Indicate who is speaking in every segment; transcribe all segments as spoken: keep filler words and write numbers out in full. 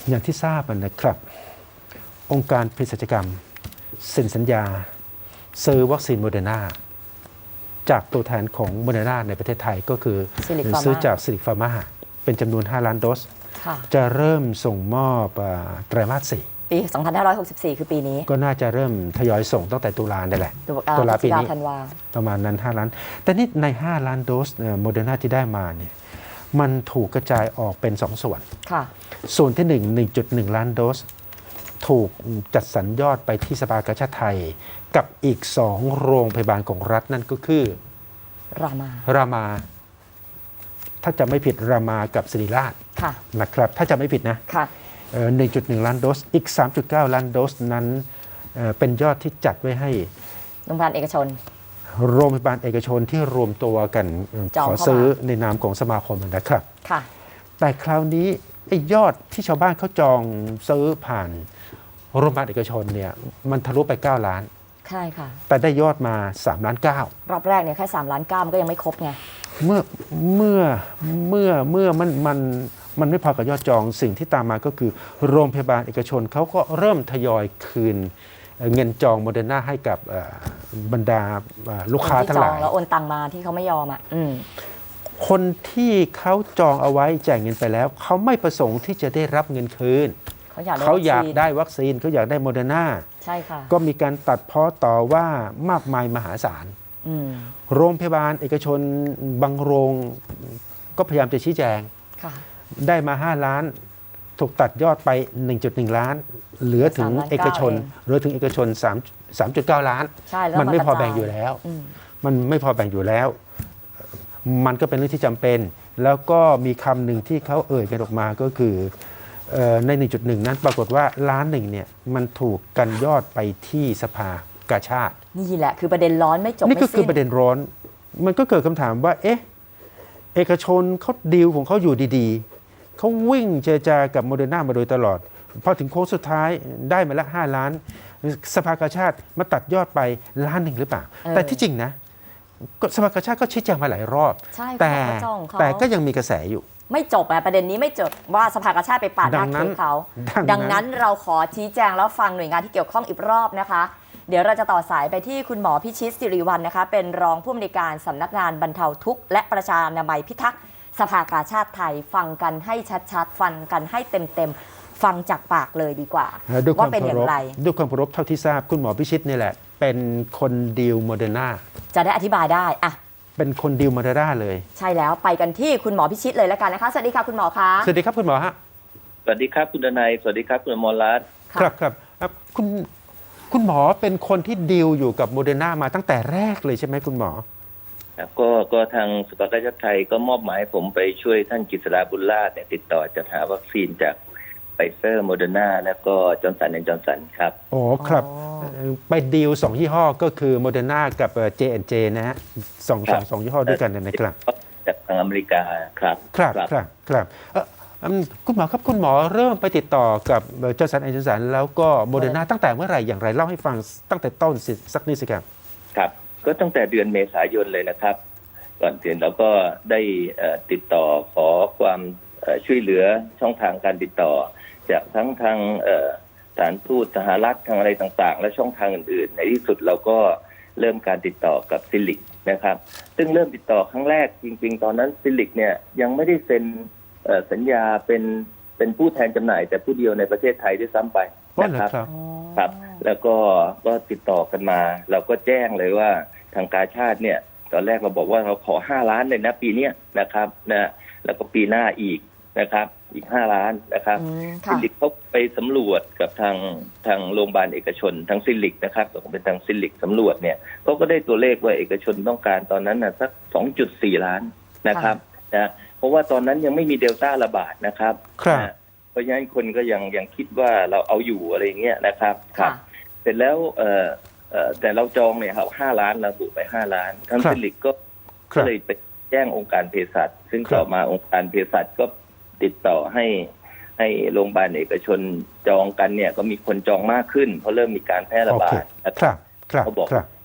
Speaker 1: อย่างที่ทราบนะครับองค์การเภสัชกรรมเซ็นสัญญาซื้อวัคซีนโมเดอร์นาจากตัวแทนของโมเดอร์นาในประเทศไทยก็คือซื้อจากซิลิฟาร์มาเป็นจำนวนห้าล้านโดสจะเริ่มส่งมอบไตรมาสสี่
Speaker 2: ปีสองพันห้าร้อยหกสิบสี่คือปีนี้
Speaker 1: ก็น่าจะเริ่มทยอยส่งตั้งแต่ตุลาได้แหละ
Speaker 2: ตุลา
Speaker 1: ปีนี้
Speaker 2: ประ
Speaker 1: มาณนั้นห้าล้านแต่นี่ในห้าล้านโดสโมเดอร์นาที่ได้มาเนี่ยมันถูกกระจายออกเป็นสองส่วนส่วนที่หนึ่ง หนึ่งจุดหนึ่ง ล้านโดสถูกจัดสรรยอดไปที่สภากาชาดไทยกับอีกสองโรงพยาบาลของรัฐนั่นก็คือ
Speaker 2: รามา
Speaker 1: รามาถ้าจะไม่ผิดรามากับศิริราชนะครับถ้าจะไม่ผิดนะหนึ่งจุดหนึ่ง ล้านโดสอีก สามจุดเก้า ล้านโดสนั้นเป็นยอดที่จัดไว้ให้
Speaker 2: โรงพยาบาลเอกชน
Speaker 1: โรงพยาบาลเอกชนที่รวมตัวกันขอซื้อในนามของสมาคมนะครับแต่คราวนี้ไอ้ยอดที่ชาวบ้านเขาจองซื้อผ่านโรงพยาบาลเอกชนเนี่ยมันทะลุไปเก้าล้าน
Speaker 2: ใช่ค่ะ
Speaker 1: แต่ได้ยอดมาสามล้านเก้าร
Speaker 2: อบแรกเนี่ยแค่สามล้านเก้ามันก็ยังไม่ครบไง
Speaker 1: เมื่อเมื่อเมื่อเมื่อมันมันมันไม่พอกับยอดจองสิ่งที่ตามมาก็คือโรงพยาบาลเอกชนเขาก็เริ่มทยอยคืนเงินจองโมเดอร์นาให้กับบรรดาลูกค้าทั้งหลาย
Speaker 2: แล้วโอนตังมาที่เขาไม่ยอมอ่ะ
Speaker 1: คนที่เขาจองเอาไว้จ่ายเงินไปแล้วเขาไม่ประสงค์ที่จะได้รับเงินคืนเขาอยากได้วัคซีนเขาอยากได้โมเดอร์นา
Speaker 2: ใช่ค่ะ
Speaker 1: ก็มีการตัดพ้อต่อว่ามากมายมหาศาลโรงพยาบาลเอกชนบางโรงก็พยายามจะชี้แจงได้มาห้าล้านถูกตัดยอดไป หนึ่งจุดหนึ่ง ล้านเหลือถึงเอกชนเหลือถึงเอกชน3 สามจุดเก้า ล้านมันไม่พอแบ่งอยู่แล้วมันไม่พอแบ่งอยู่แล้วมันก็เป็นเรื่องที่จำเป็นแล้วก็มีคำหนึ่งที่เขาเอ่ยกันออกมาก็คือใน หนึ่งจุดหนึ่ง นั้นปรากฏว่าล้านหนึ่งเนี่ยมันถูกกันยอดไปที่สภากาชาด
Speaker 2: นี่แหละคือประเด็นร้อนไม่จบไม่สิ้น
Speaker 1: นี่ก็คือประเด็นร้อนมันก็เกิดคำถามว่าเอ๊ะเอกชนเขาดีลของเขาอยู่ดีๆเขาวิ่งเจรจากับโมเดอร์นามาโดยตลอดพอถึงโค้งสุดท้ายได้มาละห้าล้านสภากาชาดมาตัดยอดไปล้านหนึ่งหรือเปล่าแต่ที่จริงนะสภากาชาดก็ชี้แจงมาหลายรอบแต่แต่ก็ยังมีกระแสอยู่
Speaker 2: ไม่จบอะประเด็นนี้ไม่จบว่าสภากาชาดไปปาดหน้าเค้กเขาดังนั้นเราขอชี้แจงแล้วฟังหน่วยงานที่เกี่ยวข้องอีกรอบนะคะเดี๋ยวเราจะต่อสายไปที่คุณหมอพิชิตสิริวัลย์นะคะเป็นรองผู้อำนวยการสำนักงานบรรเทาทุกข์และประชานามัยพิทักษ์สภากาชาดไทยฟังกันให้ชัดๆฟังกันให้เต็มๆฟังจากปากเลยดีกว่าว่าเป็นอย่างไร
Speaker 1: ด้วยความเคารพเท่าที่ทราบคุณหมอพิชิตนี่แหละเป็นคนดีลโมเดอร์นา
Speaker 2: จะได้อธิบายได้อะ
Speaker 1: เป็นคนดีลโมเดอร์นาเลย
Speaker 2: ใช่แล้วไปกันที่คุณหมอพิชิตเลยแล้วกันนะคะสวัสดีค่ะคุณหมอคะ
Speaker 1: สวัสดีครับคุณหมอฮะ
Speaker 3: สวัสดีครับคุณดนัยสวัสดีครับคุณอมรรัตน์
Speaker 1: ครับครับคุณคุณหมอเป็นคนที่ดีลอยู่กับโมเดอร์นามาตั้งแต่แรกเลยใช่ไหมคุณหมอ
Speaker 3: ก็ก็ทางสภากาชาดไทยก็มอบหมายผมไปช่วยท่านกฤษฎาบุญราชเนี่ยติดต่อจัดหาวัคซีนจากไฟเซอร์โมเดอร์นาแล้วก็จอร์นสันแอนด์จอร์นสันครับ
Speaker 1: อ๋อครับไปดีลสองยี่ห้อก็คือโมเดอร์นากับ เจ แอนด์ เจ นะฮะสองสองสองยี่ห้อด้วยกันนะครับ
Speaker 3: จากทางอเมริกาครับ
Speaker 1: ครับครับครับคุณหมอครับคุณหมอเริ่มไปติดต่อกับจอร์นสันแอนด์จอร์นสันแล้วก็โมเดอร์นาตั้งแต่เมื่อไหร่อย่างไรเล่าให้ฟังตั้งแต่ต้นสักนิดสิครับ
Speaker 3: ครับก็ตั้งแต่เดือนเมษายนเลยนะครับก่อนอื่นเราก็ได้ติดต่อขอความช่วยเหลือช่องทางการติดต่อจากทั้งทางสถานทูตสหรัฐทางอะไรต่างๆและช่องทางอื่นๆในที่สุดเราก็เริ่มการติดต่อกับซิลิกนะครับซึ่งเริ่มติดต่อครั้งแรกจริงๆตอนนั้นซิลิกเนี่ยยังไม่ได้เซ็นสัญญาเป็นเป็นผู้แทนจำหน่ายแต่ผู้เดียวในประเทศไทยด้วยซ้ำไปนะครับครับแล้วก็ก็ติดต่อกันมาเราก็แจ้งเลยว่าทางกาชาดเนี่ยตอนแรกเราบอกว่าเราขอห้าล้านเลยนะปีนี้นะครับนะแล้วก็ปีหน้าอีกนะครับอีกห้าล้านนะครับซิลิกเขาไปสำรวจกับทางทางโรงพยาบาลเอกชนทางซิลิกนะครับเป็นทางซิลิกสำรวจเนี่ยเขาก็ได้ตัวเลขว่าเอกชนต้องการตอนนั้นนะสัก สองจุดสี่ ล้านนะครับนะเพราะว่าตอนนั้นยังไม่มีเดลต้าระบาดนะครับนะเพราะฉะนั้นคนก็ยังยังคิดว่าเราเอาอยู่อะไรเงี้ยนะครับครับเสร็จแล้วเอ่อเอ่อแต่เราจองเนี่ยครับห้าล้านเราบุไปห้าล้านทางซิลิกก็ก็เลยไปแจ้งองค์การเภสัชซึ่งต่อมาองค์การเภสัชก็ติดต่อให้ให้โรงพยาบาลเอกชนจองกันเนี่ยก็มีคนจองมากขึ้นเพราะเริ่มมีการแพร่ระบาดนะครับเขาบอก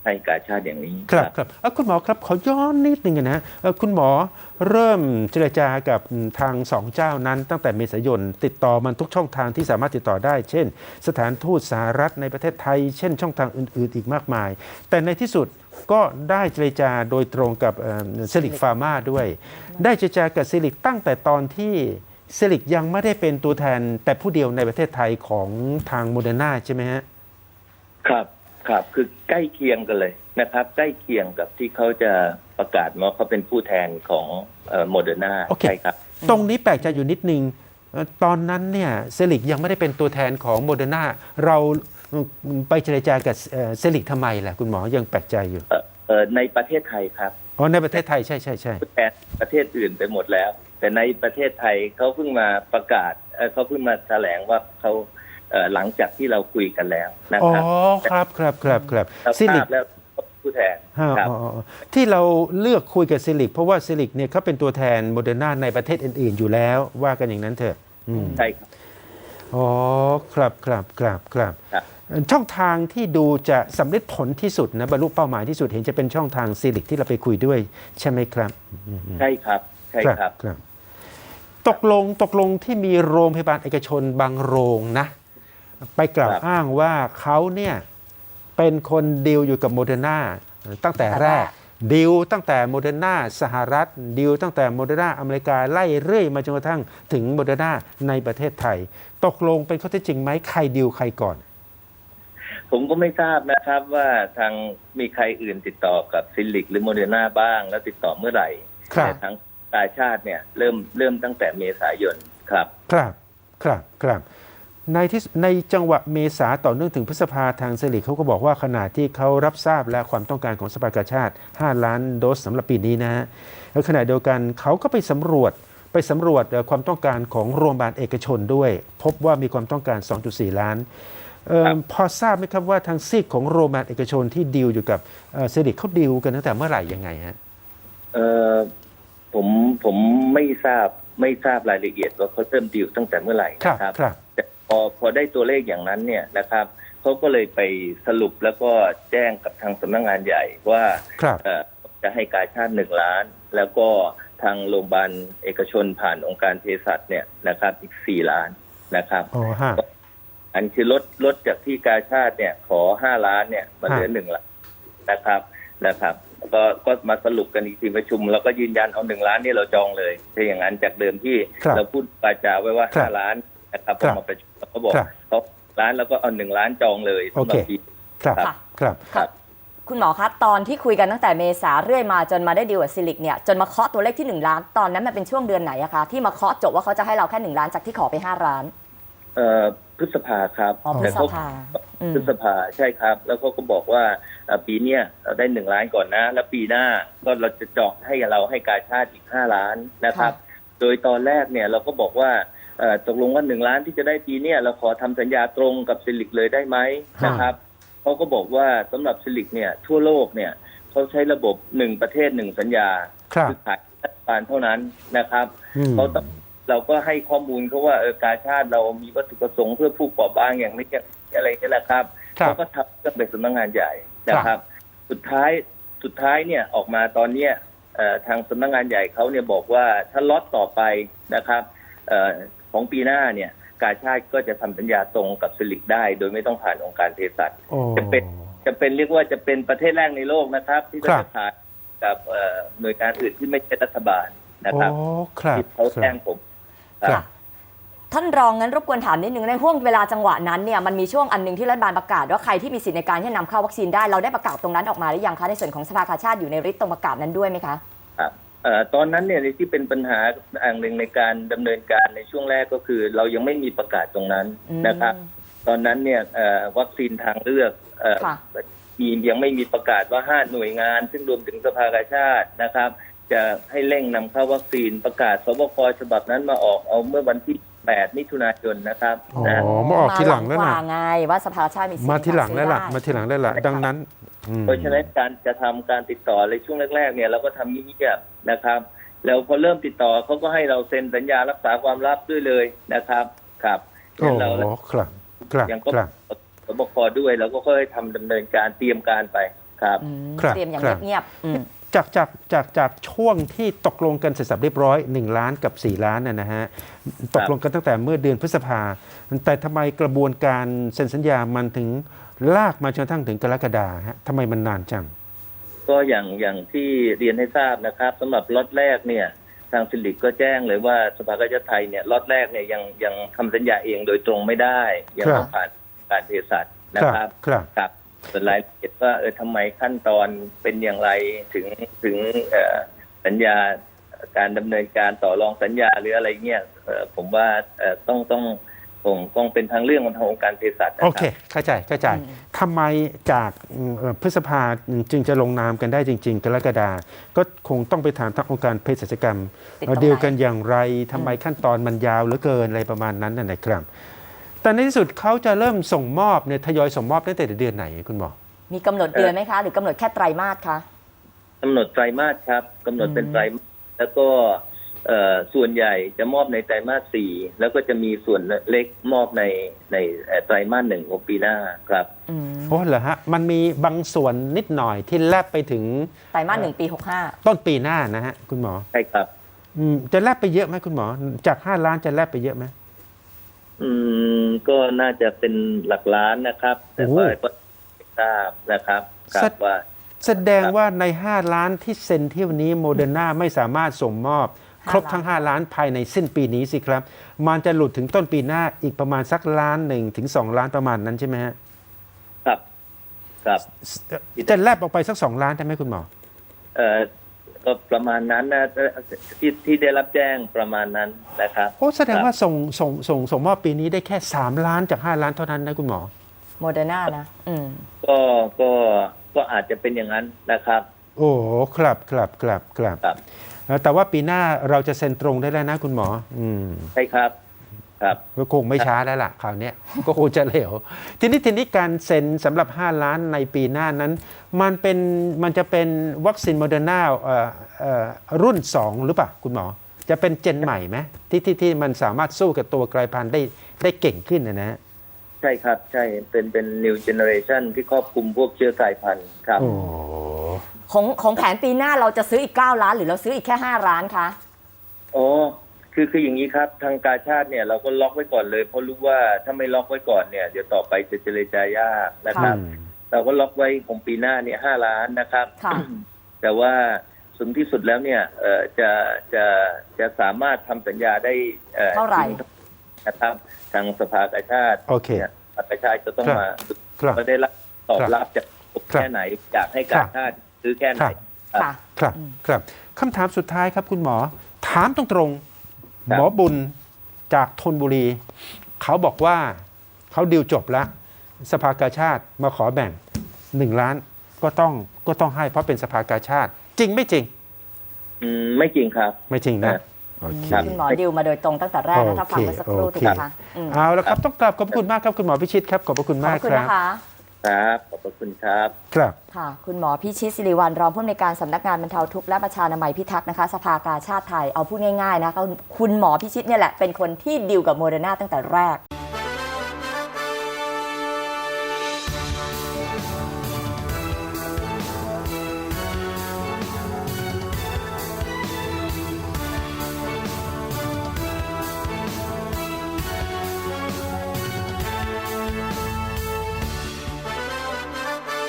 Speaker 3: ให้กาชาดอย่างนี้
Speaker 1: ครับครับเอ่อคุณหมอครับขอย้อนนิดนึงนะเอ่อคุณหมอเริ่มเจรจากับทางสองเจ้านั้นตั้งแต่เมษายนติดต่อมันทุกช่องทางที่สามารถติดต่อได้ เช่น สถานทูตสหรัฐในประเทศไทย เช่นช่องทางอื่นๆอีกมากมาย แต่ในที่สุดก็ได้เจรจาโดยตรงกับเซลิกฟาร์มาด้วย ได้เจรจากับเซลิกตั้งแต่ตอนที่เซลิกยังไม่ได้เป็นตัวแทนแต่ผู้เดียวในประเทศไทยของทางโมเดอร์นาใช่ไหมฮะ
Speaker 3: ครับครับคือใกล้เคียงกันเลยนะครับ ใกล้เคียงกับที่เขาจะประกาศว่าเขาเป็นผู้แทนของโมเดอร์นา
Speaker 1: โอเค
Speaker 3: ใช่ครับ
Speaker 1: ตรงนี้แปลกใจอยู่นิดนึงเอ่อตอนนั้นเนี่ยเซลิกยังไม่ได้เป็นตัวแทนของโมเดอร์นาเราไปเจรจากับเอ่อเซลิกทำไมล่ะคุณหมอยังแปลกใจอยู่
Speaker 3: เอ่อเอ่อในประเทศไทยครับ
Speaker 1: อ๋อในประเทศไทยใช่ใช่ใช่
Speaker 3: ผู้แทนประเทศอื่นไปหมดแล้ว แต่ในประเทศไทยเขาเพิ่งมาประกาศเอ่อเขาเพิ่งมาแถลงว่าเขาเอ่อหลังจากที่เราคุยกันแล้วนะ
Speaker 1: อ๋อ
Speaker 3: ครับ
Speaker 1: ครับครับครับครับ
Speaker 3: เรา
Speaker 1: เซลิ
Speaker 3: ทราก บแล้วผู้แทน
Speaker 1: ฮะ
Speaker 3: ครับ
Speaker 1: อ๋ออ๋อที่เราเลือกคุยกับเซลิกเพราะว่าเซลิกเนี่ยเขาเป็นตัวแทนโมเดอร์นาในประเทศอื่นๆอยู่แล้วว่ากันอย่างนั้นเถอะอืม
Speaker 3: ใช่ครับ
Speaker 1: อ๋อครับครับครับครับ
Speaker 3: ครับ
Speaker 1: ช่องทางที่ดูจะสำเร็จผลที่สุดนะบรรลุเป้าหมายที่สุดเห็นจะเป็นช่องทางซีลิกที่เราไปคุยด้วยใช่ไหมครับอืม
Speaker 3: ใช่ครับใช่ครับ
Speaker 1: ครับตกลงตกลงที่มีโรงพยาบาลเอกชนบางโรงนะ ไปกล่าว
Speaker 3: ครับ
Speaker 1: อ้างว่าเขาเนี่ยเป็นคนดีลอยู่กับโมเดอร์นาตั้งแต่แรกดีลตั้งแต่โมเดอร์นาสหรัฐดีลตั้งแต่โมเดอร์นาอเมริกาไล่เรื่อยมาจนกระทั่งถึงโมเดอร์นาในประเทศไทย ตกลงเป็นข้อเท็จจริงไหมใครดีลใครก่อน
Speaker 3: ผมก็ไม่ทราบนะครับว่าทางมีใครอื่นติดต่อกับซิลิกหรือโมเดอร์นาบ้าง แล้วติดต่อเมื่อไหร่
Speaker 1: ครับ
Speaker 3: แต่ทางกาชาดเนี่ยเริ่มเริ่มตั้งแต่เมษายนครับ
Speaker 1: ครับครับครับในที่ในจังหวะเมษาต่อเนื่องถึงพฤษภาทางเซลิกเขาก็บอกว่าขณะที่เขารับทราบและความต้องการของสภากาชาติห้าล้านโดสสำหรับปีนี้นะฮะแล้วขณะเดียวกันเขาก็ไปสำรวจไปสำรวจเอ่อความต้องการของโรงพยาบาลเอกชนด้วย พบว่ามีความต้องการ สองจุดสี่ ล้านเอ่อ
Speaker 3: ครับ
Speaker 1: พอทราบไหมครับว่าทางซีกของโรงพยาบาลเอกชนที่ดีลอยู่กับเอ่อเซลิกเขาดีลกันตั้งแต่เมื่อไหร่ยังไงฮะ
Speaker 3: เออผมผมไม่ทราบไม่ทราบรายละเอียดว่าเขาเริ่มดีลตั้งแต่เมื่อไหร่
Speaker 1: ครับ
Speaker 3: นะครับ
Speaker 1: ครับ
Speaker 3: แต่พอพอได้ตัวเลขอย่างนั้นเนี่ยนะครับเขาก็เลยไปสรุปแล้วก็แจ้งกับทางสำนักงานใหญ่ว่า
Speaker 1: ครับ
Speaker 3: เอ่อจะให้กาชาติหนึ่งล้าน แล้วก็ทางโรงพยาบาลเอกชนผ่านองค์การเภสัชเนี่ยนะครับอีกสี่ล้านนะครับ
Speaker 1: อ๋อฮะ
Speaker 3: อันคือลดลดจากที่กาชาติเนี่ยขอห้าล้านเนี่ยมาเหลือ
Speaker 1: ฮะ
Speaker 3: หนึ่งล้านนะครับนะครับก็ก็มาสรุปกันอีกทีประชุม แล้วก็ยืนยันเอาหนึ่งล้านนี่เราจองเลยถ้าอย่างนั้นจากเดิมที่
Speaker 1: ครับ
Speaker 3: เราพูดปาจาไว้ว่า
Speaker 1: ครับ
Speaker 3: ห้าล้านนะครับพ
Speaker 1: ครั
Speaker 3: อบ มาประชุมเขาบอก
Speaker 1: ครับ
Speaker 3: เขาล้านแล้วก็เอาหนึ่งล้านจองเลย
Speaker 1: โอเค
Speaker 3: สำหรับปี
Speaker 1: ครับ
Speaker 2: ค่ะ
Speaker 1: ครับ
Speaker 3: ครับ
Speaker 2: คุณหมอคะตอนที่คุยกันตั้งแต่เมษาเรื่อยมาจนมาได้ดีลกับซิลิกเนี่ยจนมาเคาะตัวเลขที่หนึ่งล้านตอนนั้นมันเป็นช่วงเดือนไหนอะคะที่มาเคาะจบว่าเขาจะให้เราแค่หนึ่งล้านจากที่ขอไปห้าล้าน
Speaker 3: เอ่อพฤษภาครับ
Speaker 2: อ๋อพฤ
Speaker 3: แต่
Speaker 2: ษ
Speaker 3: เขา
Speaker 2: ภาอืม
Speaker 3: พฤษภาใช่ครับ แล้วเขาก็บอกว่าเอ่อปีเนี้ยเราได้หนึ่งล้านก่อนนะ แล้วปีหน้าก็เราจะเจาะให้เราให้กาชาติอีกห้าล้านนะครับ โดยตอนแรกเนี่ยเราก็บอกว่าเอ่อตกลงว่าหนึ่งล้านที่จะได้ปีเนี้ยเราขอทำสัญญาตรงกับซิลิกเลยได้ไหม
Speaker 1: ฮะ
Speaker 3: นะครับเขาก็บอกว่าสำหรับซิลิกเนี่ยทั่วโลกเนี่ยเขาใช้ระบบหนึ่งประเทศหนึ่งสัญญา
Speaker 1: ครับ
Speaker 3: ขายรัฐบาลเท่านั้นนะครับ
Speaker 1: อืม
Speaker 3: เขาต้องเราก็ให้ข้อมูลเขาว่าเออกาชาติเรามีวัตถุประสงค์เพื่อผู้เปราะบางอย่างนี้อะไรนี่แหละครับ
Speaker 1: ครับ
Speaker 3: เขาก็ทำเรื่องไปสำนักงานใหญ่นะครับ สุดท้ายสุดท้ายเนี่ยออกมาตอนเนี้ยเอ่อทางสำนักงานใหญ่เขาเนี่ยบอกว่าถ้าล็อตต่อไปนะครับเอ่อของปีหน้าเนี่ยกาชาติก็จะทำสัญญาตรงกับซิลิกได้ โดยไม่ต้องผ่านองค์การเภสัช
Speaker 1: โอ้
Speaker 3: จะเป็น จะเป็นเรียกว่าจะเป็นประเทศแรกในโลกนะครับ ที่
Speaker 1: ครับ
Speaker 3: จะผ่านกับเอ่อหน่วยงานอื่นที่ไม่ใช่รัฐบาลนะครับ
Speaker 1: โอ้ครับ
Speaker 3: ที่เขา
Speaker 1: ครั
Speaker 3: แจ้
Speaker 1: บ
Speaker 3: งผม
Speaker 1: ครับ
Speaker 2: ท่านรองงั้นรบกวนถามนิดนึงในห่วงเวลาจังหวะนั้นเนี่ยมันมีช่วงอันหนึงที่รัฐบาลประกาศว่าใครที่มีสิทธิในการที่จะนำเข้าวัคซีนได้เราได้ประกาศตรงนั้นออกมาหรือยังคะในส่วนของสภากาชาติอยู่ในริสต์ตรงประกาศนั้นด้วยไหมคะ
Speaker 3: ครับเอ่อตอนนั้นเนี่ยที่เป็นปัญหาอันหนึ่งในการดำเนินการในช่วงแรกก็คือ เรายังไม่มีประกาศตรงนั้น
Speaker 2: อืม
Speaker 3: นะครับ ตอนนั้นเนี่ยเอ่อวัคซีนทางเลือกเอ่อ
Speaker 2: ค่ะ
Speaker 3: มียังไม่มีประกาศว่าห้าหน่วยงาน ซึ่งรวมถึงสภากาชาตินะครับ จะให้เร่งนำเข้าวัคซีนประกาศสบคฉบับนั้นมาออกเอาเมื่อวันที่แปดมิถุนายนนะครับ
Speaker 1: อ๋อ
Speaker 3: นะ
Speaker 1: มาออกทีหลังแล้ว
Speaker 2: มา
Speaker 1: นะ
Speaker 2: กว่าไงว่าสภากาชาติมีสิทธิ์
Speaker 1: มาทีหลังแล้วล่ะ
Speaker 2: ใน
Speaker 1: มา
Speaker 2: การ
Speaker 1: ทีหลังแล้วล่ะ ดังนั้นอืม
Speaker 3: เพราะฉะนั้นการจะทำการติดต่อในช่วงแรกๆเนี่ยเราก็ทำเงียบๆนะครับ แล้วพอเริ่มติดต่อเขาก็ให้เราเซ็นสัญญารักษาความลับด้วยเลยนะครับครับ
Speaker 1: โอ้
Speaker 3: เรา
Speaker 1: ครับครับ
Speaker 3: ยังก็
Speaker 1: ครับ
Speaker 3: สบคด้วยเราก็ค่อยทำดำเนินการเตรียมการไปคครับ
Speaker 2: อืม
Speaker 1: ครับ
Speaker 2: เตรียมอย่าง
Speaker 1: ครับ
Speaker 2: เงียบๆอืม
Speaker 1: จากจากจากจากช่วงที่ตกลงกันเสร็จสับเรียบร้อยหนึ่งล้านกับสี่ล้านนะนะฮะตกลงกันตั้งแต่เมื่อเดือนพฤษภาแต่ทำไมกระบวนการเซ็นสัญญามันถึงลากมาจนกระทั่งถึงกรกฎาฮะทำไมมันนานจัง
Speaker 3: ก็อย่างอย่างที่เรียนให้ทราบนะครับสำหรับล็อตแรกเนี่ยทางฟิลิปก็แจ้งเลยว่าสภากาชาดไทยเนี่ยล็อตแรกเนี่ยยังยังทำสัญญาเองโดยตรงไม่ได้ยัง
Speaker 1: ครับ
Speaker 3: ต้องผ่านการเภสัชนะครับ
Speaker 1: ครับ
Speaker 3: ครับส่วนรายละเอียดว่าเออทำไมขั้นตอนเป็นอย่างไรถึงถึงเอ่อสัญญาการดำเนินการต่อรองสัญญาหรืออะไรเงี้ยเอ่อผมว่าเอ่อต้องต้องคงคงเป็นทางเรื่องของทางองค์การเภสัชนะ
Speaker 1: โอ
Speaker 3: ค
Speaker 1: เค
Speaker 3: รับ
Speaker 1: เข้าใจเข้าใจ
Speaker 2: อืม
Speaker 1: ทำไมจากเอ่อพฤษภาจึงจะลงนามกันได้จริง ๆ กรกฎาก็คงต้องไปถามทางองค์การเภสัชกรรม
Speaker 2: ติดตรงไหน
Speaker 1: เดียวกันอย่างไรทำไมขั้นตอนมันยาวเหลือเกินอะไรประมาณนั้นนะนะครับ แต่ในที่สุดเขาจะเริ่มส่งมอบเนี่ยทยอยส่งมอบตั้งแต่เดือนไหนคุณหมอ
Speaker 2: มีกำหนดเดือนไหมคะ หรือกำหนดแค่ไตรมาสคะ
Speaker 3: กำหนดไตรมาสครับกำหนดเป็น
Speaker 2: อืม
Speaker 3: ไตรมาสแล้วก็เอ่อส่วนใหญ่จะมอบในไตรมาสสี่แล้วก็จะมีส่วนเล็กมอบในในเอ่อไตรมาสหนึ่งของปีหน้าครับ
Speaker 2: อืม
Speaker 1: โอ้เหรอฮะมันมีบางส่วนนิดหน่อยที่แลบไปถึง
Speaker 2: ไตรมาสหนึ่งปีหกห้า
Speaker 1: ต้นปีหน้านะฮะคุณหมอ
Speaker 3: ใช่ครับ
Speaker 1: อืมจะแลบไปเยอะไหมคุณหมอ จากห้าล้านจะแลบไปเยอะไหม
Speaker 3: อืมก็น่าจะเป็นหลักล้านนะครับ แต่ว่า
Speaker 1: โอ้
Speaker 3: ก็ไม่ทราบนะครับครั
Speaker 1: สั
Speaker 3: บ
Speaker 1: ต
Speaker 3: ว่า
Speaker 1: แสดงว่าใน ห้า ล้านที่เซ็นเที่ยวนี้โมเดอร์นาไม่สามารถส่งมอบ ครบทั้ง ห้า ล้านภายในสิ้นปีนี้สิครับ มันจะหลุดถึงต้นปีหน้าอีกประมาณสักล้านหนึ่งถึงสองล้านประมาณนั้นใช่ไหมฮะ
Speaker 3: ครับครับ
Speaker 1: จะแลบออกไปสักสองล้านได้ไหมคุณหมอ
Speaker 3: เอ่อก็ประมาณนั้นนะที่ที่ได้รับแจ้งประมาณนั้นนะครับ
Speaker 1: โอ้แสดงว่าส่งส่งส่งส่งมอบปีนี้ได้แค่ สาม ล้านจาก ห้า ล้านเท่านั้นนะคุณหมอ
Speaker 2: โมเดอร์นานะ อืม
Speaker 3: ก็ก็ก็อาจจะเป็นอย่างนั้นนะครับ
Speaker 1: โอ้ครับครับครับครับ
Speaker 3: ครับ
Speaker 1: แต่ว่าปีหน้าเราจะเซ็นตรงได้แล้วนะคุณหมอ อืม
Speaker 3: ใช่ครับครับ
Speaker 1: ก็คงไม่ช้าแล้วล่ะคราวเนี้ย ก็คงจะเร็วทีนี้ทีนี้การเซ็นสำหรับ ห้า ล้านในปีหน้านั้น มันเป็นมันจะเป็นวัคซีนโมเดอร์นาเอ่อเอ่อรุ่น สอง หรือเปล่าคุณหมอ จะเป็นเจนใหม่ไหมที่ที่ที่มันสามารถสู้กับตัวกลายพันธุ์ได้ได้เก่งขึ้นนะนะ
Speaker 3: ใช่ครับใช่เป็นเป็น new generation ที่ครอบคลุมพวกเชื้อกายพันธุ์ครับ
Speaker 1: โอ้
Speaker 2: ของของแผนปีหน้าเราจะซื้ออีกเก้าล้านหรือเราซื้ออีกแค่ห้าล้านคะ
Speaker 3: โอ้คือคืออย่างนี้ครับทางกาชาติเนี่ยเราก็ล็อกไว้ก่อนเลยเพราะรู้ว่าถ้าไม่ล็อกไว้ก่อนเนี่ยเดี๋ยวต่อไปจะเจรจายากนะครับ
Speaker 1: อืม
Speaker 3: เราก็ล็อกไว้ของปีหน้าเนี่ยห้าล้านนะครับ
Speaker 2: ค่ะ
Speaker 3: แต่ว่าสูงที่สุดแล้วเนี่ยเอ่อจะจะจะสามารถทำสัญญาได้อ่อ
Speaker 2: เท่าไหร่
Speaker 3: นะครับทางสภากาชาติ
Speaker 1: โอเค
Speaker 3: นี่ยสภากาชาติจะต้อง
Speaker 1: ครับ
Speaker 3: มา
Speaker 1: ครับ
Speaker 3: มาได้รับตอบ
Speaker 1: ครับ
Speaker 3: รับจาก
Speaker 1: ครับ
Speaker 3: แค่ไหนอยากให้กาชาติซื้อแค่ไหน
Speaker 1: ครับ
Speaker 2: ค่ะ
Speaker 1: ครับ
Speaker 2: อืม
Speaker 1: ครับคำถามสุดท้ายครับคุณหมอ ถามตรงๆ
Speaker 3: ครับ
Speaker 1: หมอบุญจากธนบุรี เขาบอกว่าเขาดิวจบแล้ว สภากาชาติมาขอแบ่งหนึ่งล้านก็ต้องก็ต้องให้เพราะเป็นสภากาชาติ จริงไม่จริง
Speaker 3: อืมไม่จริงครับ
Speaker 1: ไม่จริงนะ
Speaker 3: ครับ
Speaker 1: โอเค
Speaker 3: ครับ
Speaker 2: คุณหมอดิวมาโดยตรงตั้งแต่แรกนะถ้าฟังเมื่อสักครู่
Speaker 1: โอ
Speaker 2: ถู
Speaker 1: เค
Speaker 2: กไหมคะอืม
Speaker 1: เอาละครับต้องกราบขอบพระคุณมากครับคุณหมอพิชิตครับขอบพระคุณ
Speaker 2: ขอบ
Speaker 1: มาก
Speaker 2: คุณ
Speaker 1: ครับ
Speaker 2: นะคะ
Speaker 3: ครับขอบพระคุณครับ
Speaker 1: ครับ
Speaker 2: ค่ะ คุณหมอพิชิตศิริวัลรองผู้อำนวยการสำนักงานบรรเทาทุกข์และประชานามัยพิทักษ์นะคะ สภากาชาติไทยเอาพูดง่ายๆนะคะคุณหมอพิชิตเนี่ยแหละเป็นคนที่ดิวกับโมเดอร์นาตั้งแต่แรก